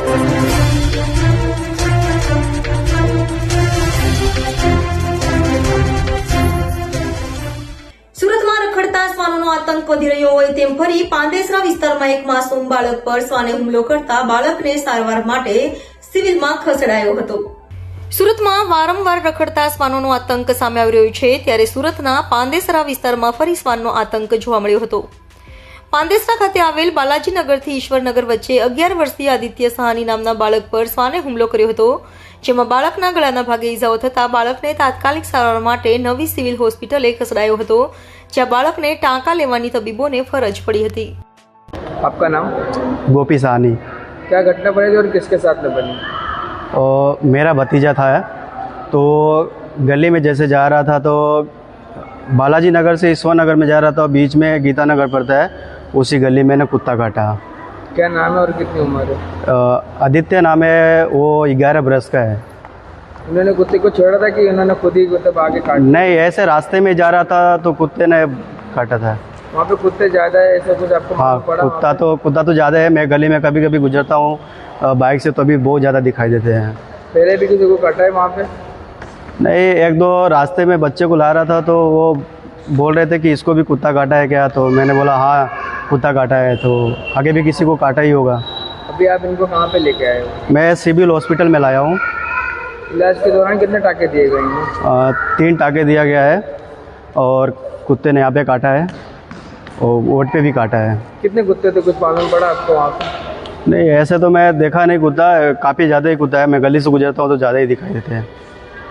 સુરતમાં રખડતા શ્વાનોનો આતંક વધી રહ્યો હોય તેમ ફરી પાંદેસરા વિસ્તારમાં એક માસૂમ બાળક પર શ્વાને હુમલો કરતા બાળકને સારવાર માટે સિવિલમાં ખસેડાયો હતો. સુરતમાં વારંવાર રખડતા શ્વાનોનો આતંક સામે આવી રહ્યો છે, ત્યારે સુરતના પાંદેસરા વિસ્તારમાં ફરી શ્વાનનો આતંક જોવા મળ્યો હતો. પાંદેસરા ખાતે આવેલ બાલાજીનગરથી ઈશ્વરનગર વચ્ચે 11 વર્ષીય આદિત્ય સહાની નામના બાળક પર શ્વાને હુમલો કર્યો હતો, જેમાં બાળકના ગળાના ભાગે ઈજાઓ થતા બાળકને તાત્કાલિક સારવાર માટે નવી સિવિલ હોસ્પિટલે ખસેડાયો હતો, જ્યાં બાળકને ટાંકા લેવાની તબીબોને ફરજ પડી હતી. आपका नाम? गोपी साहनी। क्या घटना बनी थी और किसके साथ में बनी? और मेरा भतीजा था, तो गली में जैसे जा रहा था तो बालाजी नगर से ईश्वर नगर में जा रहा था, बीच में गीता नगर पड़ता है, उसी गली में ने कुत्ता काटा। क्या नाम है और कितनी उम्र है? आदित्य नाम है, वो 11 बरस का है। उन्होंने कुत्ते को छोड़ा था कि उन्होंने खुद ही मतलब आगे काट? नहीं, ऐसे रास्ते में जा रहा था तो कुत्ते ने काटा था। वहाँ पे कुत्ते ज़्यादा है ऐसा कुछ आपको हाँ, मालूम पड़ा? कुत्ता तो ज़्यादा है। मैं गली में कभी कभी गुजरता हूँ बाइक से, तो अभी बहुत ज़्यादा दिखाई देते हैं। पहले भी किसी को काटा है वहाँ पे? नहीं, एक दो रास्ते में बच्चे को ला रहा था तो वो बोल रहे थे कि इसको भी कुत्ता काटा है क्या, तो मैंने बोला हाँ कुत्ता काटा है, तो आगे भी किसी को काटा ही होगा। अभी आप इनको कहाँ पे लेके आए हो? मैं सिविल हॉस्पिटल में लाया हूँ। इलाज के दौरान कितने टाके दिए गए हैं? 3 टाके दिया गया है और कुत्ते ने यहाँ पे काटा है और वोट पे भी काटा है। कितने कुत्ते थे, कुछ मालूम पड़ा आपको वहाँ पे? नहीं, ऐसे तो मैं देखा नहीं कुत्ता, काफ़ी ज़्यादा ही कुत्ता है। मैं गली से गुजरता हूँ तो ज़्यादा ही दिखाई देते हैं।